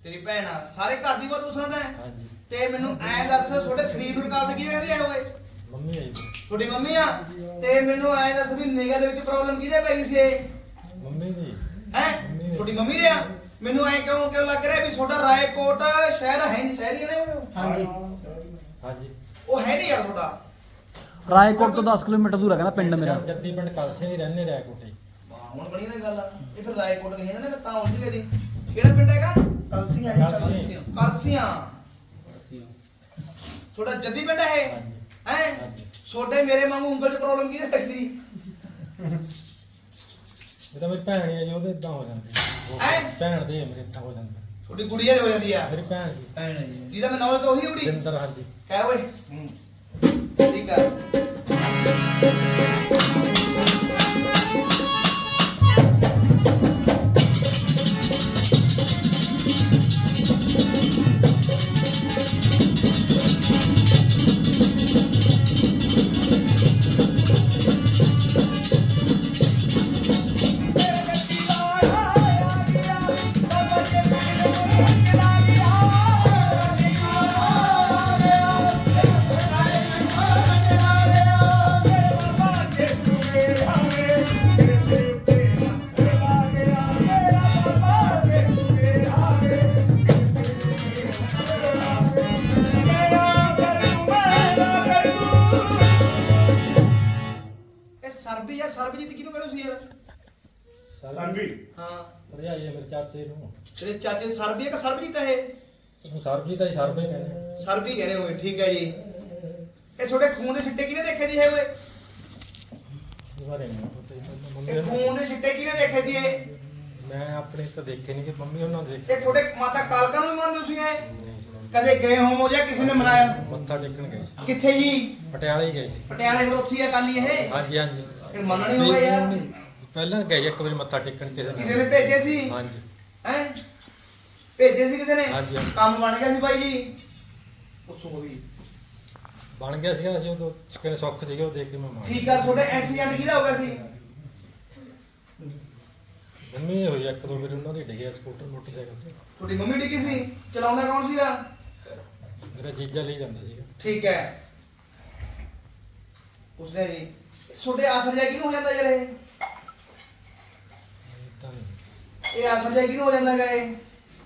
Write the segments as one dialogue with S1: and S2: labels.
S1: ਤੇਰੀ ਭੈਣ ਆ ਸਾਰੇ ਘਰ ਦੀ ਬਾਤ ਪੁੱਛਣਾ ਤਾਂ
S2: ਹਾਂਜੀ
S1: ਤੇ ਮੈਨੂੰ ਐਂ ਦੱਸ ਤੁਹਾਡੇ ਸਰੀਰ ਨੂੰ ਰੁਕਾਵਟ ਕੀ ਰਹਿੰਦੀ ਹੈ ਓਏ
S2: ਮੰਮੀ ਆਈ ਸੀ।
S1: ਤੁਹਾਡੀ ਮੰਮੀ ਆ ਤੇ ਮੈਨੂੰ ਐਂ ਦੱਸ ਵੀ ਨਿਗਾਹ ਦੇ ਵਿੱਚ ਪ੍ਰੋਬਲਮ ਕਿਹਦੇ ਪੈ ਗਈ ਸੀ ਇਹ
S2: ਮੰਮੀ ਦੀ
S1: ਹੈ ਤੁਹਾਡੀ ਮੰਮੀ ਦੇ ਆ ਮੈਨੂੰ ਐਂ ਕਿਉਂ ਲੱਗ ਰਿਹਾ ਵੀ ਤੁਹਾਡਾ ਰਾਏਕੋਟ ਸ਼ਹਿਰ ਹੈ ਨਹੀਂ ਸ਼ਹਿਰੀ ਨੇ
S3: ਹਾਂਜੀ
S2: ਹਾਂਜੀ
S1: ਉਹ ਹੈ ਨਹੀਂ ਯਾਰ ਤੁਹਾਡਾ
S3: ਰਾਏਕੋਟ ਤੋਂ 10 ਕਿਲੋਮੀਟਰ ਦੂਰ ਹੈ ਕਹਿੰਦਾ ਪਿੰਡ ਮੇਰਾ।
S2: ਜੱਦੀ ਪਿੰਡ ਕਲਸੇ ਹੀ ਰਹਿੰਦੇ ਰਹਿ ਕੋਟੇ।
S1: ਵਾਹ ਹੁਣ ਬਣੀ ਨਾ ਗੱਲ ਇਹ ਫਿਰ ਰਾਏਕੋਟ ਗਏ ਨੇ ਮੈਂ ਤਾਂ ਆਉਂਦੀ ਕਦੀ ਕਿਹੜਾ ਪਿੰਡ ਹੈਗਾ
S3: ਕਲਸੀਆਂ
S1: ਕਲਸੀਆਂ ਤੁਹਾਡਾ ਜੱਦੀ ਪਿੰਡ ਹੈ
S2: ਹਾਂਜੀ
S1: ਹੈ
S2: ਹਾਂਜੀ
S1: ਛੋਟੇ ਮੇਰੇ ਵਾਂਗੂ ਉਂਗਲ 'ਚ ਪ੍ਰੋਬਲਮ ਕਿਹਦੇ ਪੈਂਦੀ
S2: ਇਹ ਤਾਂ ਮੇਰੀ ਭੈਣ ਹੀ ਆ ਜੀ ਉਹਦੇ ਇਦਾਂ ਹੋ ਜਾਂਦੀ
S1: ਹੈਂ?
S2: ਭੈਣ ਦੇ ਮੇਰੇ ਇਦਾਂ ਹੋ ਜਾਂਦਾ
S1: ਤੁਹਾਡੀ ਗੁੜੀਆ ਦੇ ਹੋ ਜਾਂਦੀ ਆ
S2: ਮੇਰੀ ਭੈਣ ਜੀ
S3: ਭੈਣ ਹੈ ਜੀ।
S1: ਜਿਹਦਾ ਮੈਂ ਨਾਮ ਤਾਂ ਉਹੀ ਉੜੀ
S2: ਜਿੰਦਰ ਹਾਂਜੀ
S1: ਹੈ ਓਏ ਠੀਕ ਆ ਸਰਬੀ ਜਾਂ ਸਰਬਜੀਤ ਕਿਹਨੂੰ ਕਹਿੰਦੇ ਸੀ ਯਾਰ
S4: ਸਰਬੀ
S1: ਹਾਂ
S2: ਭਰਜਾਈ ਹੈ ਮੇਰੇ ਚਾਚੇ ਨੂੰ
S1: ਤੇਰੇ ਚਾਚੇ ਸਰਬੀ ਕਿ ਸਰਬਜੀਤ ਹੈ ਇਹ
S2: ਉਹਨੂੰ ਸਰਬਜੀਤ ਆ ਜੀ ਸਰਬੇ ਕਹਿੰਦੇ।
S1: ਸਰਬੀ ਕਹਿੰਦੇ ਹੋਏ ਠੀਕ ਹੈ ਜੀ ਇਹ ਤੁਹਾਡੇ ਖੂਨ ਦੇ ਛਿੱਟੇ ਕਿਹਨੇ ਦੇਖੇ ਜੀ ਇਹ ਓਏ
S2: ਇਹ ਬਾਰੇ ਨਹੀਂ ਪਤਾ ਜੀ ਮੰਮੀ
S1: ਇਹ ਖੂਨ ਦੇ ਛਿੱਟੇ ਕਿਹਨੇ ਦੇਖੇ ਜੀ ਇਹ
S2: ਮੈਂ ਆਪਣੇ ਤਾਂ ਦੇਖੇ ਨਹੀਂ ਕਿ ਮੰਮੀ ਉਹਨਾਂ ਦੇ ਦੇਖੇ
S1: ਇਹ ਤੁਹਾਡੇ ਮਾਤਾ ਕਾਲਕਾ ਨੂੰ ਵੀ ਮੰਨਦੇ ਤੁਸੀਂ ਇਹ
S2: ਨਹੀਂ।
S1: ਕਦੇ ਗਏ ਹੋਮੋ ਜਾਂ ਕਿਸੇ ਨੇ ਮਨਾਇਆ
S2: ਮੱਥਾ ਟੇਕਣ ਗਏ ਸੀ
S1: ਕਿੱਥੇ ਜੀ
S2: ਪਟਿਆਲੇ ਹੀ ਗਏ ਸੀ।
S1: ਪਟਿਆਲੇ ਫਿਰ ਉੱਥੇ ਹੀ ਆ ਕਾਲੀ ਇਹ
S2: ਹਾਂਜੀ ਹਾਂਜੀ
S1: ਫਿਰ ਮੰਨਣਾ ਨਹੀਂ ਹੋਇਆ ਯਾਰ
S2: ਨਹੀਂ, ਪਹਿਲਾਂ ਗਏ ਇੱਕ ਵਾਰੀ ਮੱਥਾ ਟੇਕਣ
S1: ਕਿਸੇ ਨੇ ਭੇਜੇ ਸੀ
S2: ਹਾਂਜੀ
S1: ਹੈ ਭੇਜੇ ਸੀ ਕਿਸੇ ਨੇ
S2: ਹਾਂਜੀ, ਹਾਂਜੀ।
S1: ਕੰਮ ਬਣ ਗਿਆ ਸੀ ਬਾਈ ਜੀ ਪੁੱਛੋ ਵੀ
S2: ਬਣ ਗਿਆ ਸੀਗਾ ਅਸੀਂ ਉਦੋਂ ਕਿਨੇ ਸੁੱਖ ਸੀਗੇ ਉਹ ਦੇਖ ਕੇ ਮੈਂ ਮਾਰ
S1: ਠੀਕ ਆ ਤੁਹਾਡੇ ਐਕਸੀਡੈਂਟ ਕਿਹਦਾ ਹੋ ਗਿਆ ਸੀ
S2: ਮੰਮੀ ਹੋਈ ਇੱਕ ਦੋ ਵਾਰੀ ਉਹਨਾਂ ਦੀ ਡਿੱਗਿਆ ਸਕੂਟਰ ਮੋਟਰਸਾਈਕਲ ਤੇ
S1: ਤੁਹਾਡੀ ਮੰਮੀ ਡਿੱਗੀ ਸੀ ਚਲਾਉਂਦਾ ਕੌਣ ਸੀਗਾ
S2: ਮੇਰਾ ਜੀਜਾ ਲਈ ਜਾਂਦਾ ਸੀਗਾ
S1: ਠੀਕ ਹੈ ਉਸਨੇ ਜੀ ਤੁਹਾਡੇ ਅਸਰ ਜਾ ਕਿਹਨੂੰ ਹੋ ਜਾਂਦਾ ਯਾਰ ਇਹ
S2: ਤਾਂ ਨਹੀਂ
S1: ਇਹ ਅਸਰ ਜਾ ਕਿਹਨੂੰ ਹੋ ਜਾਂਦਾ ਗਾ ਇਹ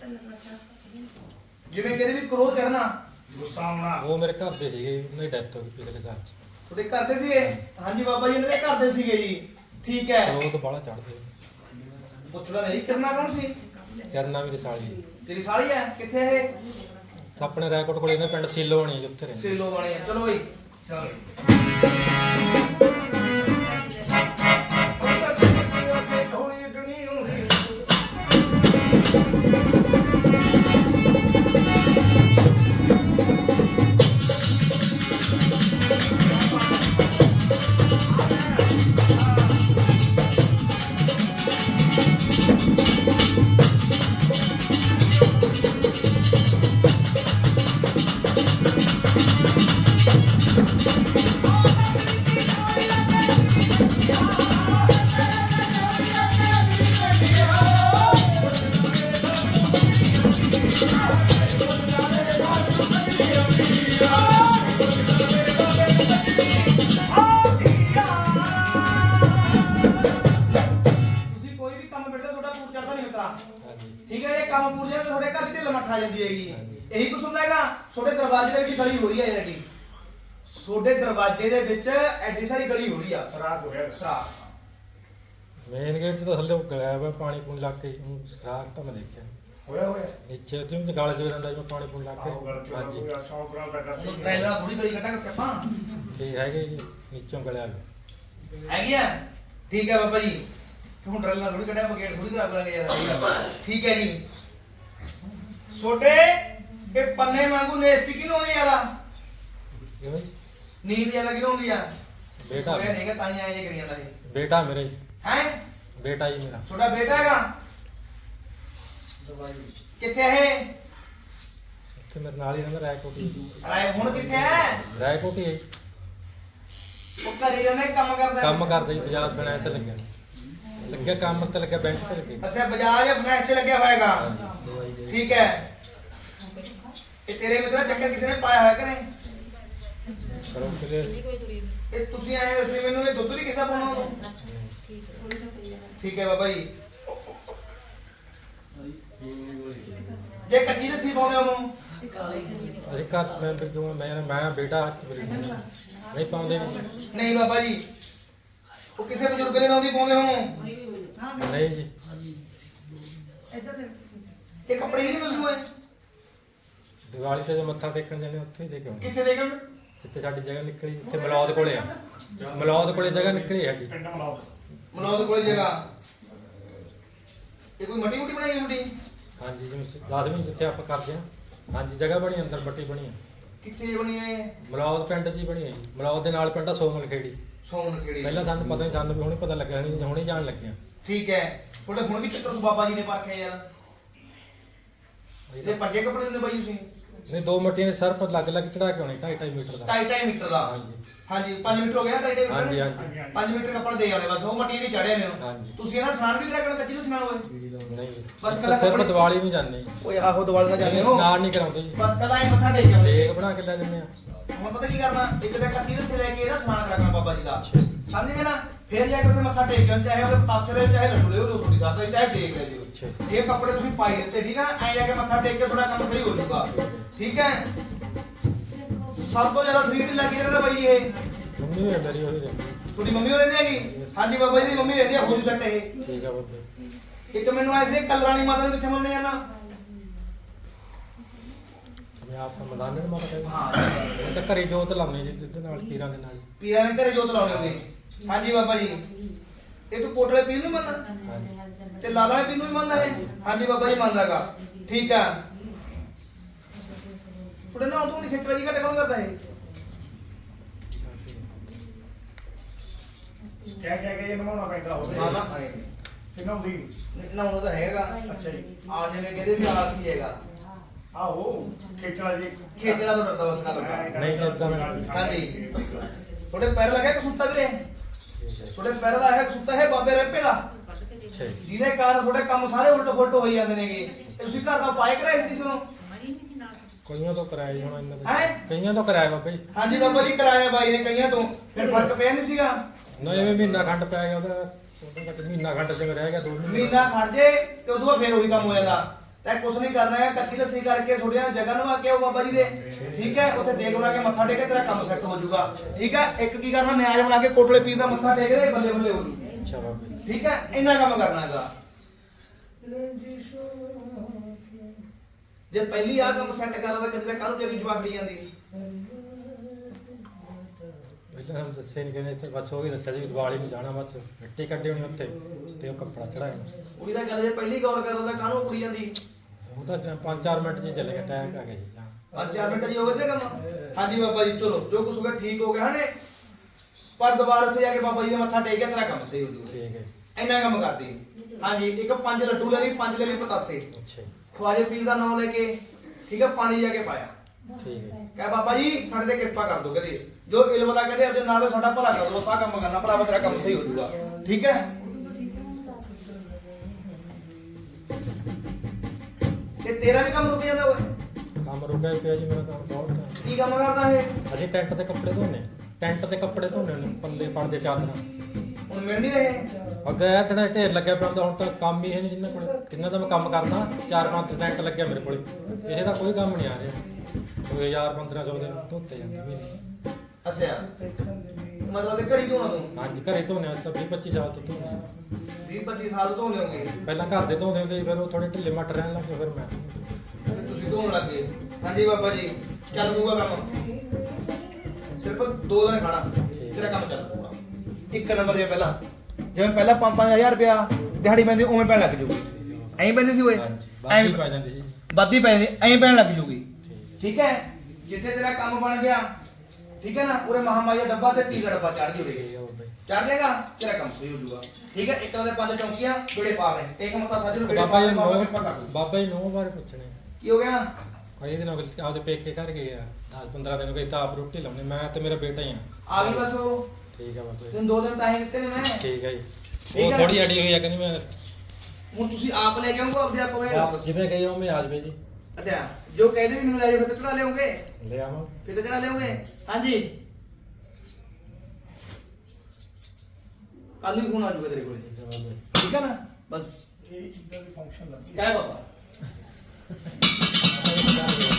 S1: ਜਿਵੇਂ ਕਹਿੰਦੇ ਵੀ ਕ੍ਰੋਧ ਚੜਨਾ
S4: ਗੁੱਸਾ ਆਉਣਾ
S2: ਉਹ ਮੇਰੇ ਘਰ ਦੇ ਸੀਗੇ ਉਹਨਾਂ ਦੀ ਡੈਥ ਹੋ ਗਈ ਪਿਛਲੇ ਸਾਲ
S1: ਤੁਹਾਡੇ ਘਰ ਦੇ ਸੀਗੇ ਹਾਂਜੀ ਬਾਬਾ ਜੀ ਇਹਨਾਂ ਦੇ ਘਰ ਦੇ ਸੀਗੇ ਜੀ ਠੀਕ ਹੈ
S2: ਉਹ ਤਾਂ ਬਾਹਲਾ ਚੜਦੇ
S1: ਪੁੱਛਣਾ ਨਹੀਂ ਕਰਨਾ ਕੌਣ ਸੀ
S2: ਕਰਨਾ ਮੇਰੀ ਸਾਲੀ
S1: ਤੇਰੀ ਸਾਲੀ ਹੈ ਕਿੱਥੇ ਇਹ
S2: ਆਪਣੇ ਰਾਏਕੋਟ ਕੋਲੇ ਨੇ ਪਿੰਡ ਸੀਲੋ ਹੋਣੀ ਜਿੱਥੇ ਰਹਿੰਦੇ
S1: ਸੇਲੋ ਵਾਲੇ ਆ ਚਲੋ ਬਈ
S4: ਚਲ
S1: ਤੁਸੀਂ ਕੋਈ ਵੀ ਕੰਮ ਫਿਰਦਾ ਤੁਹਾਡਾ ਪੂਰ ਚੜਦਾ ਨਹੀਂ ਮਿੱਤਰਾ
S2: ਹਾਂਜੀ
S1: ਠੀਕ ਹੈ ਇਹ ਕੰਮ ਪੂਰ ਜਾਂਦਾ ਤੁਹਾਡੇ ਘਰ ਵਿੱਚ ਲਮਟ ਆ ਜਾਂਦੀ ਹੈਗੀ
S2: ਹਾਂਜੀ।
S1: ਇਹੀ ਕੁਛ ਹੁੰਦਾ ਹੈਗਾ ਤੁਹਾਡੇ ਦਰਵਾਜ਼ੇ ਦੇ ਵਿੱਚ ਗਲੀ ਹੋ ਰਹੀ ਹੈ ਐਡੀ ਤੁਹਾਡੇ ਦਰਵਾਜ਼ੇ ਦੇ ਵਿੱਚ ਐਡੀ ਸਾਰੀ ਗਲੀ ਹੋ ਰਹੀ ਆ
S4: ਸਰਾਖ ਹੋਇਆ
S1: ਸਰਾਖ
S2: ਮੇਨ ਗੇਟ 'ਚ ਤਾਂ ਥੱਲੇ ਉਹ ਗਲਿਆ ਹੋਇਆ ਪਾਣੀ ਪੂਣ ਲੱਗ ਕੇ ਸਰਾਖ ਤਾਂ ਮੈਂ ਦੇਖਿਆ
S4: ਹੋਇਆ ਹੋਇਆ
S2: ਨੀਚੇ ਤੇ ਵੀ ਗਾਲ ਜੋ ਜਾਂਦਾ ਜਿਵੇਂ ਪਾਣੀ ਪੂਣ ਲੱਗ
S4: ਆਹੋ ਗੱਲ
S2: ਕੇ
S4: ਕੀ
S2: ਹਾਂਜੀ
S4: ਹੋਇਆ 100 ਗ੍ਰਾਮ ਦਾ ਕਰਦੀ
S1: ਹੁਣ ਟ੍ਰੇਲਰ ਥੋੜੀ ਗਲੀ ਕੱਟਾਂਗੇ ਚੱਪਾਂ
S2: ਠੀਕ ਹੈਗੇ ਜੀ ਨੀਚੋਂ ਗਲਿਆ ਹੋਇਆ
S1: ਹੈਗੀ ਆ ਠੀਕ ਹੈ ਬਾਬਾ ਜੀ ਹੁਣ ਟ੍ਰੇਲਰ ਥੋੜੀ ਕੱਢਿਆ ਬਗੇਟ ਥੋੜੀ ਖਰਾਬ ਕਰਾਂਗੇ ਯਾਰ ਠੀਕ ਹੈ ਜੀ ਛੋਟੇ ਇਹ ਪੰਨੇ ਵਾਂਗੂ ਨੇਸਤੀ ਕਿਉਂ ਆਉਂਦੀ ਯਾਰਾ
S2: ਕਿਵੇਂ
S1: ਨੀਂਦ ਜ਼ਿਆਦਾ ਕਿਉਂ ਆਉਂਦੀ ਆ
S2: ਬੇਟਾ।
S1: ਸੋਇਆ ਨਹੀਂਗਾ ਤਾਂ ਹੀ ਆਏ ਕਰੀ ਜਾਂਦਾ ਇਹ
S2: ਬੇਟਾ ਮੇਰਾ ਜੀ
S1: ਹੈ
S2: ਬੇਟਾ ਜੀ ਮੇਰਾ
S1: ਤੁਹਾਡਾ ਬੇਟਾ ਹੈਗਾ ਕਿੱਥੇ ਹੈ ਇਹ?
S2: ਇੱਥੇ ਮੇਰੇ ਨਾਲ ਹੀ ਰਹਿੰਦਾ ਰਾਏਕੋਟ ਹੀ
S1: ਰਾਏ ਹੁਣ ਕਿੱਥੇ ਹੈ
S2: ਰਾਏਕੋਟ ਹੀ ਹੈ ਜੀ।
S1: ਉਹ ਘਰੇ ਜਾਂਦਾ ਕਿ ਕੰਮ ਕਰਦਾ
S2: ਕੰਮ ਕਰਦਾ ਜੀ ਬਜਾਜ ਫਾਈਨੈਂਸ ਲੱਗਿਆ ਕੰਮ ਤੇ ਲੱਗਿਆ ਬੈਂਕ ਤੇ ਲੱਗਿਆ
S1: ਅੱਛਾ ਬਜਾਜ ਫਾਈਨੈਂਸ ਚ ਲੱਗਿਆ ਹੋਏਗਾ
S2: ਹਾਂਜੀ
S1: ਠੀਕ ਹੈ। ਇਹ ਤੇਰੇ ਮਿੱਤਰਾ ਚੱਕਰ ਕਿਸੇ ਨੇ ਪਾਇਆ ਹੋਇਆ ਕਰੇ?
S2: ਕਰੋ ਕਿਲੇ
S1: ਇਹ ਤੁਸੀਂ ਆਏ ਦੱਸੇ ਮੈਨੂੰ, ਇਹ ਦੁੱਧ ਵੀ ਕਿਸਾ ਪਾਉਣਾ ਉਹਨੂੰ? ਠੀਕ ਹੈ ਬਾਬਾ ਜੀ। ਜੇ ਕੱਚੀ ਲੱਸੀ ਪਾਉਂਦੇ ਉਹਨੂੰ?
S2: ਅਸੀਂ ਘਰ ਚ ਮੈਂ ਫਿਰ ਦੋ ਮੈਂ ਬੇਟਾ ਨਹੀਂ ਪਾਉਂਦੇ ਨਹੀਂ।
S1: ਨਹੀਂ ਬਾਬਾ ਜੀ, ਉਹ ਕਿਸੇ ਬਜ਼ੁਰਗ ਦੇ ਨਾਂ ਦੀ ਪਾਉਂਦੇ ਉਹਨੂੰ?
S2: ਨਹੀਂ ਜੀ।
S1: ਇਹ ਕੱਪੜੇ ਨਹੀਂ ਮਸੂ ਹੈ?
S2: ਦੀਵਾਲੀ ਤੇ ਜੋ ਮੱਥਾ ਟੇਕਣ ਜਾਂਦੇ ਉੱਥੇ ਹੀ ਦੇ ਕੇ ਆਉਂਦੇ।
S1: ਕਿੱਥੇ ਦੇਖਣ?
S2: ਜਿੱਥੇ ਸਾਡੀ ਜਗ੍ਹਾ ਨਿਕਲੀ, ਜਿੱਥੇ ਮਲੌਦ ਕੋਲੇ ਆ, ਮਲੌਦ ਕੋਲੇ ਜਗ੍ਹਾ ਨਿਕਲੀ ਸਾਡੀ।
S4: ਪਿੰਡ ਮਲਾਓ
S1: ਮਨੋਦ ਕੋਲੇ ਜਗ੍ਹਾ। ਇਹ ਕੋਈ ਮੱਟੀ ਮੁੱਟੀ ਬਣਾਈ ਹੈ ਛੋਟੀ?
S2: ਹਾਂਜੀ ਜਿਵੇਂ 10ਵੀਂ ਜਿੱਥੇ ਆਪਾਂ ਕਰਦੇ ਹਾਂ। ਹਾਂਜੀ ਜਗ੍ਹਾ ਬਣੀ ਅੰਦਰ ਬੱਟੀ ਬਣੀ ਹੈ।
S1: ਕਿੱਥੇ ਬਣੀ ਹੈ?
S2: ਮਲੌਦ ਪਿੰਡ 'ਚ ਹੀ ਬਣੀ ਹੈ ਜੀ। ਮਲੌਦ ਦੇ ਨਾਲ ਪਿੰਡ ਆ ਸੋਮਲ ਖੇੜੀ।
S1: ਸੌਣ ਖੇੜੀ।
S2: ਪਹਿਲਾਂ ਸਾਨੂੰ ਪਤਾ ਨਹੀਂ, ਸਾਨੂੰ ਵੀ ਹੁਣੇ ਪਤਾ ਲੱਗਿਆ ਨਹੀਂ, ਹੁਣੇ ਜਾਣ ਲੱਗਿਆ।
S1: ਠੀਕ ਹੈ। ਤੁਹਾਡੇ ਹੁਣ ਵੀ ਚੱਕਰ ਤੋਂ ਬਾਬਾ ਜੀ ਨੇ ਪਰਖਿਆ ਯਾਰ। ਇਹ ਪੱਕੇ ਕੱਪੜੇ ਦਿੰਦੇ ਬਾਈ ਤੁਸੀਂ?
S2: ਨਹੀਂ 2 ਮੱਟੀਆਂ ਦੇ ਸਰ ਪਰ ਲੱਗ ਲੱਗ ਚੜਾ ਕੇ ਆਉਣੀ 2.5 ਮੀਟਰ ਦਾ।
S1: 2.5 ਮੀਟਰ ਦਾ?
S2: ਹਾਂਜੀ
S1: ਹਾਂਜੀ 5 ਮੀਟਰ ਹੋ ਗਿਆ 2.5 ਮੀਟਰ?
S2: ਹਾਂਜੀ ਹਾਂਜੀ
S1: 5 ਮੀਟਰ ਕੱਪੜਾ ਦੇ ਆਉਣੇ ਬਸ, ਉਹ ਮੱਟੀ ਦੀ ਚੜਿਆ ਨੇ।
S2: ਹਾਂਜੀ।
S1: ਤੁਸੀਂ ਇਹਨਾਂ ਸਨਾਨ ਵੀ ਕਰਾ ਕੇ ਕੱਚੀ ਦਾ ਸਨਾਨ ਹੋਏ?
S2: ਨਹੀਂ
S1: ਬਸ ਕੱਲਾ
S2: ਸਿਰਫ
S1: ਕੱਪੜੇ-
S2: ਦੀਵਾਲੀ ਵੀ ਜਾਂਦੇ ਜੀ।
S1: ਓਏ ਆਹੋ ਦਿਵਾਲੀ ਦਾ ਜਾਂਦੇ ਹੋ?
S2: ਇਸ਼ਨਾਨ ਨਹੀਂ ਕਰਾਉਂਦੇ ਜੀ।
S1: ਬਸ ਕੱਲਾ ਇਹ ਮੱਥਾ ਟੇਕ ਆਉਂਦੇ।
S2: ਦੇਗ ਬਣਾ ਕੇ ਲੈ ਜਾਂਦੇ ਆ।
S1: ਹੁਣ ਪਤਾ ਕੀ ਕਰਨਾ, ਇੱਕ ਤਾਂ ਕੱਚੀ ਦਾ ਲੈ ਕੇ ਇਹਦਾ ਸਨਾਨ ਕਰਾ ਬਾਬਾ ਜੀ ਦਾ, ਸਮਝ ਗਏ ਨਾ? ਫਿਰ ਜਾ ਕੇ ਉੱਥੇ ਮੱਥਾ ਟੇਕ ਜਾਣ, ਚਾਹੇ ਉਹਦੇ ਪਤਾਸੇ ਲੈ ਚਾਹੇ ਲੱਡੂ ਲੈ, ਉਹ ਤੁਹਾਡੀ ਸਾਥ ਚਾਹੇ ਦੇਖ ਲੈ ਜਿਓ।
S2: ਅੱਛਾ।
S1: ਇਹ ਕੱਪੜੇ ਤੁਸੀਂ ਪਾਈ ਦਿੱਤੇ, ਠੀਕ ਹੈ? ਐਂ ਜਾ ਕੇ ਮੱਥਾ ਟੇਕ ਕੇ ਤੁਹਾਡਾ ਕੰਮ ਸਹੀ ਹੋ ਜਾਊਗਾ, ਠੀਕ ਹੈ? ਸਭ ਤੋਂ ਜ਼ਿਆਦਾ ਸਰੀਰ ਢਿੱਲਾ ਕੀ ਰਹਿੰਦਾ ਬਾਈ ਇਹ?
S2: ਮੰਮੀ ਵੀ ਮੇਰੀ ਹੋਈ ਰਹਿੰਦੀ।
S1: ਤੁਹਾਡੀ ਮੰਮੀ ਹੋ ਰਹਿੰਦੀ ਹੈਗੀ? ਹਾਂਜੀ ਬਾਬਾ ਜੀ ਦੀ ਮੰਮੀ ਰਹਿੰਦੀ ਹੈ, ਹੋ ਜੂ ਸੈੱਟ ਇਹ।
S2: ਠੀਕ ਆ ਬਾਬੇ।
S1: ਇੱਕ ਮੈਨੂੰ ਐਸੇ ਕਲਰਾਣੀ ਮਾਤਾ ਨੂੰ ਕਿੱਥੇ ਮੰਨਦੇ ਜਾਣਾ?
S2: ਮੈਂ ਆਪ ਨੂੰ ਮੈਦਾਨ ਨਹੀਂ ਮਾਰਦਾ।
S1: ਹਾਂ
S2: ਉਹ ਤਾਂ ਘਰੇ ਜੋਤ ਲਾਉਂਦੇ ਜੀ ਜਿੱਦੇ ਨਾਲ ਪੀਰਾਂ ਦੇ ਨਾਲ।
S1: ਪੀਰਾਂ ਦੇ ਘਰੇ ਜੋਤ ਲਾਉਣੇ ਹੁੰਦੇ। ਹਾਂਜੀ ਬਾਬਾ ਜੀ। ਇਹ ਤੂੰ ਕੋਟਲੇ ਪੀਰ ਨੂੰ ਮੰਨਦਾ
S2: ਹਾਂਜੀ
S1: ਤੇ ਲਾਲਾ ਪੀਰ ਨੂੰ ਵੀ ਮੰਨਦਾ ਹੈ? ਹਾਂਜੀ ਬਾਬਾ ਜੀ ਮੰਨਦਾਗਾ, ਠੀਕ ਆ। ਤੁਹਾਡੇ ਨਾਲ ਤੋਂ ਨਹੀਂ ਖੇਤਰਾ ਜੀ ਘੱਟ ਕੌਣ ਕਰਦਾ ਹੈ?
S4: ਕਹਿ ਕੇ ਇਹ ਨਵਾਉਣਾ ਪੈਂਦਾ ਹੋਵੇ
S1: ਮਾਮਾ
S4: ਕਿੰਨਾ ਹੁੰਦੀ
S1: ਨਾ ਉਹਦਾ ਤਾਂ ਹੈਗਾ।
S4: ਅੱਛਾ ਜੀ।
S1: ਆ ਜਿਵੇਂ ਕਹਿੰਦੇ ਵੀ ਆਲਸੀ ਹੈਗਾ।
S4: ਆਹੋ ਖੇਚਲਾ ਜੀ
S1: ਖੇਤਰਾ ਤੋਂ ਡਰਦਾ ਬਸ ਗੱਲ ਦਾ।
S2: ਨਹੀਂ ਏਦਾਂ ਦਾ।
S1: ਹਾਂਜੀ। ਤੁਹਾਡੇ ਪੈਰ ਲੱਗਿਆ ਕਸੂਤਾ ਵੀਰੇ? ਤੁਹਾਡੇ ਪੈਰ ਦਾ ਹੈ ਕਸੂਤਾ ਹੈ ਬਾਬੇ ਰੇਪੇ ਦਾ,
S2: ਅੱਛਾ ਜੀ।
S1: ਜਿਹਦੇ ਕਾਰਨ ਤੁਹਾਡੇ ਕੰਮ ਸਾਰੇ ਉਲਟ ਫੁਲਟ ਹੋਈ ਜਾਂਦੇ ਨੇਗੇ। ਤੇ ਤੁਸੀਂ ਘਰ ਦਾ ਪਾਏ ਕਰਾਏ ਸੀ ਸੁਣੋ?
S2: ਕਈਆਂ ਤੋਂ ਕਰਾਇਆ ਜੀ ਹੁਣ ਇਹਨਾਂ
S1: ਹੈਂ?
S2: ਦੇ। ਕਈਆਂ ਤੋਂ ਕਰਾਇਆ ਬਾਬਾ ਜੀ।
S1: ਹਾਂਜੀ ਬਾਬਾ ਜੀ ਕਰਾਇਆ ਬਾਈ ਨੇ ਕਈਆਂ ਤੋਂ, ਫਿਰ ਫਰਕ ਪਿਆ ਨਹੀਂ ਸੀਗਾ?
S2: ਨਾ ਐਵੇਂ ਮਹੀਨਾ ਖੰਡ ਪੈ ਗਿਆ ਉਹਦਾ ਮਹੀਨਾ ਖੰਡ ਜਿਵੇਂ ਰਹਿ ਗਿਆ 2 ਮਹੀਨੇ।
S1: ਮਹੀਨਾ ਖੜ ਜੇ ਤੇ ਉਦੋਂ ਬਾਅਦ ਫਿਰ ਉਹੀ ਕੰਮ ਹੋ ਜਾਂਦਾ। ਤੈਂ ਕੁਛ ਨਹੀਂ ਕਰਨਾ ਹੈ, ਕੱਚੀ ਲੱਸੀ ਕਰਕੇ ਥੋੜੀਆਂ ਜਗ੍ਹਾ ਨੂੰ ਆ ਕੇ ਆਓ ਬਾਬਾ ਜੀ ਦੇ, ਠੀਕ ਹੈ? ਉੱਥੇ ਦੇਗ ਬਣਾ ਕੇ ਮੱਥਾ ਟੇਕੇ, ਤੇਰਾ ਕੰਮ ਸੈੱਟ ਹੋ ਜਾਊਗਾ, ਠੀਕ ਹੈ? ਇੱਕ ਕੀ ਕਰਨਾ, ਨਿਆਜ ਬਣਾ ਕੇ ਕੋਟਲੇ ਪੀਰ ਦਾ ਮੱਥਾ ਟੇਕ ਦੇ, ਬੱਲੇ ਬੱਲੇ ਹੋ ਜੂ,
S2: ਅੱਛਾ ਬਾਬਾ ਜੀ।
S1: ਠੀਕ ਹੈ? ਇੰਨਾ ਕੰਮ ਕਰਨਾ ਹੈਗਾ। ਜੇ ਪਹਿਲੀ ਆ ਕੰਮ ਸੈੱਟ ਕਰਦਾ ਤਾਂ ਕਿਤੇ ਕੱਲ ਤੇਰੀ ਜਵਾਬ ਦੀ ਜਾਂਦੀ।
S2: ਪਹਿਲਾਂ ਹਮ ਦੱਸੇ ਨਹੀਂ ਕਹਿੰਦੇ ਇੱਥੇ ਬਸ ਉਹ ਹੀ ਦੱਸਿਆ ਜੀ ਦੀਵਾਲੀ ਨੂੰ ਜਾਣਾ, ਬਸ ਮਿੱਟੀ ਕੱਢੀ ਹੋਣੀ ਉੱਥੇ ਤੇ ਉਹ ਕੱਪੜਾ ਚੜਾਇਆ।
S1: ਕੁੜੀ ਦਾ ਗੱਲ ਜੇ ਪਹਿਲੀ ਗੌਰ ਕਰਦਾ ਤਾਂ ਕਾਹਨੂੰ ਕੁੜੀ ਜਾਂਦੀ?
S2: ਉਹ ਤਾਂ 5-4 ਮਿੰਟ 'ਚ ਹੀ ਚੱਲ ਗਿਆ, ਟਾਈਮ ਆ ਗਿਆ ਜੀ।
S1: 5-4 ਮਿੰਟ ਜੀ ਹੋ ਗਏ ਕੰਮ। ਹਾਂਜੀ ਬਾਬਾ ਜੀ ਚਲੋ, ਜੋ ਕੁਛ ਹੋ ਗਿਆ ਠੀਕ ਹੋ ਗਿਆ ਹਨੇ, ਪਰ ਦੁਬਾਰਾ ਉੱਥੇ ਜਾ ਕੇ ਬਾਬਾ ਜੀ ਦਾ ਮੱਥਾ ਟੇਕ ਕੇ ਤੇਰਾ ਕੰਮ ਸਹੀ ਹੋ ਜਾਊਗਾ,
S2: ਠੀਕ ਹੈ।
S1: ਇੰਨਾ ਕੰਮ ਕਰਦੀ। ਹਾਂਜੀ। ਇੱਕ 5 ਲੱਡੂ ਲੈ ਲਈ, 5 ਲੈ ਲਈ ਪਤਾਸੇ,
S2: ਅੱਛਾ ਜੀ।
S1: ਖਵਾਜੇ ਪੀਰ ਦਾ ਨਾਮ ਲੈ ਕੇ, ਠੀਕ ਹੈ? ਪਾਣੀ ਜਾ ਕੇ ਪਾਇਆ,
S2: ਠੀਕ ਹੈ।
S1: ਕਹੇ ਬਾਬਾ ਜੀ ਸਾਡੇ ਤੇ ਕਿਰਪਾ ਕਰ ਦੋ, ਕਹਦੇ ਜੋ ਇਲਮ ਵਾਲਾ ਕਹਦੇ ਉਹਦੇ ਨਾਲ ਸਾਡਾ ਭਲਾ ਕਰ ਦੋ, ਸਾਰਾ ਕੰਮ ਕਰਨਾ ਭਰਾਵਾ, ਤੇਰਾ ਕੰਮ ਸਹੀ ਹੋ ਜਾਊਗਾ, ਠੀਕ ਹੈ? ਤੇ ਤੇਰਾ ਵੀ ਕੰਮ ਰੁਕ ਜਾਂਦਾ ਓਏ?
S2: ਕੰਮ ਰੁਕਿਆ ਹੀ ਪਿਆ ਜੀ ਮੇਰਾ ਤਾਂ ਬਹੁਤ time।
S1: ਕੀ ਕੰਮ ਕਰਦਾ ਇਹ?
S2: ਅਸੀਂ ਟੈਂਟ ਤੇ ਕੱਪੜੇ ਧੋਨੇ, ਟੈਂਟ ਤੇ ਕੱਪੜੇ ਧੋਨੇ ਨੇ, ਪੱਲੇ ਪੜਦੇ ਚਾਦਰਾਂ।
S1: ਹੁਣ ਮਿਲ ਨਹੀਂ ਰਹੇ?
S2: ਅੱਗੇ ਇਹ ਤੇਰਾ ਢੇਰ ਲੱਗਿਆ ਪਿਆ ਹੁੰਦਾ, ਹੁਣ ਤਾਂ ਕੰਮ ਹੀ ਹੈ ਨਹੀਂ ਜਿੰਨਾਂ ਕੋਲ, ਜਿੰਨਾਂ ਦਾ ਮੈਂ ਕੰਮ ਕਰਦਾ 4-5 ਟੈਂਟ ਲੱਗਿਆ ਮੇਰੇ ਕੋਲ, ਇਹਦੇ ਦਾ ਕੋਈ ਕੰਮ ਨਹੀਂ ਆ ਰਿਹਾ। 2000-1500 ਦੇ ਧੋਤੇ ਜਾਂਦੇ ਮਹੀਨੇ।
S1: ਅੱਛਾ, ਮਤਲਬ ਤੇ ਘਰੀ ਧੋਣਾ ਤੂੰ?
S2: ਹਾਂਜੀ ਘਰੇ ਧੋਨੇ, ਅਸੀਂ ਤਾਂ 20-25 ਸਾਲ ਤੋਂ ਧੋਨੇ।
S1: 20-25 ਸਾਲ ਤੋਂ ਧੋਣੇ ਹੋਗੇ?
S2: ਪਹਿਲਾਂ ਘਰ ਦੇ ਧੋਂਦੇ ਹੁੰਦੇ ਸੀ, ਫਿਰ ਉਹ ਥੋੜੇ ਢਿੱਲੇ ਮੱਟ ਰਹਿਣ ਲੱਗੇ, ਫਿਰ ਮੈਂ
S1: ਫਿਰ ਤੁਸੀਂ ਧੋਣ ਲੱਗੇ। ਹਾਂਜੀ ਬਾਬਾ ਜੀ ਚੱਲ ਪੂਗਾ ਕੰਮ, ਸਿਰਫ 2 ਦਿਨ ਖਾਣਾ, ਤੇਰਾ ਕੰਮ ਚੱਲ ਪੂਗਾ। 1 ਨੰਬਰ ਜੇ ਪਹਿਲਾਂ ਜਿਵੇਂ ਪਹਿਲਾਂ 5-5000 ਰੁਪਇਆ ਦਿਹਾੜੀ ਪੈਂਦੀ ਉਵੇਂ ਪੈਣ ਲੱਗ ਜੂਗੀ। ਐਂ ਪੈਂਦੀ ਸੀ ਓਏ?
S2: ਬਾਕੀ ਪੈ ਜਾਂਦੀ ਸੀ।
S1: ਵੱਧੀ ਪੈ ਜਾਂਦੀ, ਐਂ ਪੈਣ ਲੱਗ ਜੂਗੀ, ਠੀਕ ਹੈ? ਜਿੱਥੇ ਤੇਰਾ ਕੰਮ ਬਣ ਗਿਆ, ਠੀਕ ਹੈ ਨਾ, ਉਰੇ ਮਹਾਮਾਈ ਦਾ ਡੱਬਾ ਤੇ ਪੀਜ਼ਾ ਡੱਬਾ ਚੜ ਜੂਗੇ, ਚੜ ਜਾਏਗਾ, ਤੇਰਾ ਕੰਮ ਸਹੀ ਹੋ ਜਾਊਗਾ, ਠੀਕ ਹੈ? ਇੱਕ ਤਾਂ ਦੇ 5 ਚੌਂਕੀਆਂ ਬੜੇ ਪਾ ਰਹੇ, ਇੱਕ ਮਤਾ ਸਾਜੂ ਨੂੰ
S2: ਬਾਬਾ ਜੀ
S1: ਕਿਰਪਾ ਕਰ ਦੂ।
S2: ਬਾਬਾ ਜੀ ਨੂੰ ਬਾਰੇ ਪੁੱਛਣੇ
S1: ਕੀ ਹੋ ਗਿਆ?
S2: ਕਈ ਦਿਨ ਹੋ ਗਏ ਆਪਦੇ ਪੇਕੇ ਘਰ ਗਏ ਆ, 10-15 ਦਿਨ ਹੋ ਗਏ, ਤਾਂ ਆਪ ਰੋਟੀ ਲਾਉਂਦੇ, ਮੈਂ ਤੇ ਮੇਰਾ ਬੇਟਾ ਹੀ ਆ।
S1: ਆ ਗਈ ਬਸ ਉਹ।
S2: ਠੀਕ ਆ ਬਾਬਾ ਜੀ।
S1: ਤੈਨੂੰ 2 ਦਿਨ ਤਾਂ ਹੀ ਦਿੱਤੇ ਨੇ ਮੈਂ,
S2: ਠੀਕ ਹੈ ਜੀ।
S1: ਠੀਕ
S2: ਉਹ
S1: ਹੈ।
S2: ਥੋੜੀ ਅੜੀ ਹੋਈ ਆ, ਕਹਿੰਦੀ ਮੈਂ
S1: ਹੁਣ ਤੁਸੀਂ ਆਪ ਲੈ ਕੇ ਆਉਂਗੇ ਆਪਦੇ ਆਪ ਹੋਏ
S2: ਆਪ ਜਿਵੇਂ ਕਹੀ ਉਵੇਂ ਆ ਜਾਵੇ ਜੀ
S1: ਅੱਛਾ ਜੋ ਕਹਿੰਦੇ ਵੀ ਮੈਨੂੰ ਲੈ ਜਾਓ ਫਿਰ ਤੇ ਚੜਾ ਲਿਆਉਂਗੇ
S2: ਲੈ ਆਵਾਂ
S1: ਫਿਰ ਤੇ ਚੜਾ ਲਿਆਉਂਗੇ ਹਾਂਜੀ ਕੱਲ ਹੀ ਫੋਨ ਆ ਜਾਊਗਾ ਤੇਰੇ ਕੋਲੇ ਠੀਕ ਹੈ ਨਾ ਬਸ
S4: ਇਹ ਚੀਜ਼ਾਂ ਦੀ ਫੰਕਸ਼ਨ ਲੱਗੀ
S1: ਕਹਿ ਬਾਬਾ